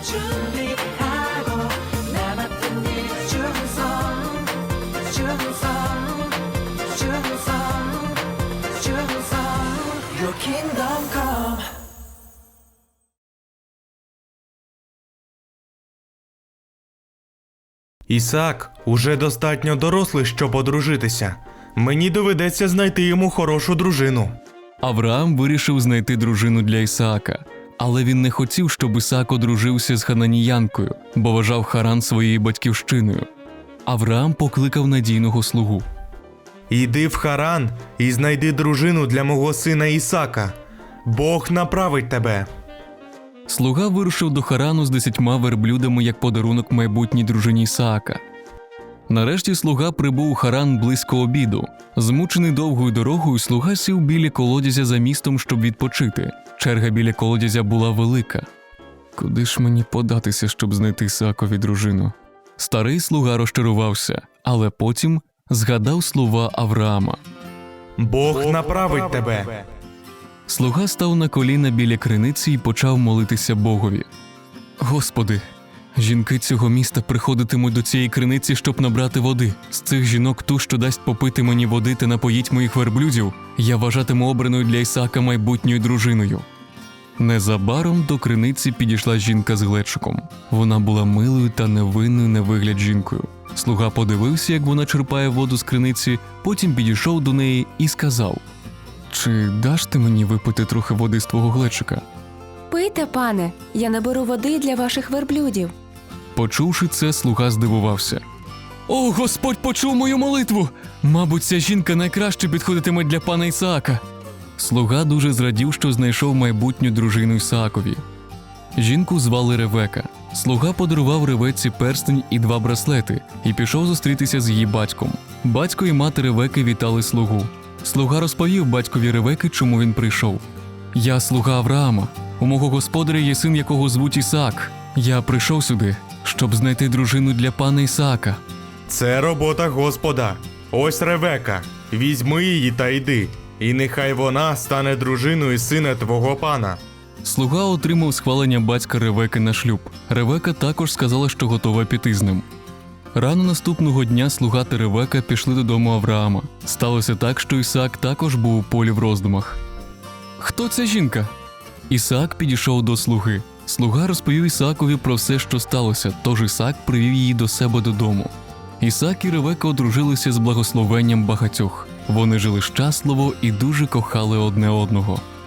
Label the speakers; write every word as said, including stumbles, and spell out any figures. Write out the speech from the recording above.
Speaker 1: 준비하고 나 맡은 일 충성 충성 충성 충성 Your kingdom come.
Speaker 2: Ісаак уже достатньо дорослий, щоб одружитися. Мені доведеться знайти йому хорошу дружину.
Speaker 3: Авраам вирішив знайти дружину для Ісаака, але він не хотів, щоб Ісаак одружився з хананіянкою, бо вважав Харан своєю батьківщиною. Авраам покликав надійного слугу.
Speaker 2: Іди в Харан і знайди дружину для мого сина Ісака. Бог направить тебе.
Speaker 3: Слуга вирушив до Харану з десятьма верблюдами як подарунок майбутній дружині Ісаака. Нарешті слуга прибув у Харан близько обіду. Змучений довгою дорогою, слуга сів біля колодязя за містом, щоб відпочити. Черга біля колодязя була велика. Куди ж мені податися, щоб знайти Ісаакові дружину? Старий слуга розчарувався, але потім згадав слова Авраама.
Speaker 2: Бог направить тебе.
Speaker 3: Слуга став на коліна біля криниці і почав молитися Богові. Господи, жінки цього міста приходитимуть до цієї криниці, щоб набрати води. З цих жінок ту, що дасть попити мені води та напоїть моїх верблюдів, я вважатиму обраною для Ісаака майбутньою дружиною. Незабаром до криниці підійшла жінка з глечиком. Вона була милою та невинною на вигляд жінкою. Слуга подивився, як вона черпає воду з криниці, потім підійшов до неї і сказав: «Чи даш ти мені випити трохи води з твого глечика?»
Speaker 4: Пийте, пане, я наберу води для ваших верблюдів.
Speaker 3: Почувши це, слуга здивувався. «О, Господь почув мою молитву! Мабуть, ця жінка найкраще підходитиме для пана Ісаака». Слуга дуже зрадів, що знайшов майбутню дружину Ісаакові. Жінку звали Ревека. Слуга подарував Ревеці перстень і два браслети і пішов зустрітися з її батьком. Батько і мати Ревеки вітали слугу. Слуга розповів батькові Ревеки, чому він прийшов. «Я слуга Авраама. У мого господаря є син, якого звуть Ісаак. Я прийшов сюди, щоб знайти дружину для пана Ісаака».
Speaker 2: Це робота Господа. Ось Ревека. Візьми її та йди. І нехай вона стане дружиною сина твого пана.
Speaker 3: Слуга отримав схвалення батька Ревеки на шлюб. Ревека також сказала, що готова піти з ним. Рано наступного дня слуга та Ревека пішли додому Авраама. Сталося так, що Ісаак також був у полі в роздумах. «Хто ця жінка?» Ісаак підійшов до слуги. Слуга розповів Ісаакові про все, що сталося, тож Ісаак привів її до себе додому. Ісаак і Ревека одружилися з благословенням багатьох. Вони жили щасливо і дуже кохали одне одного.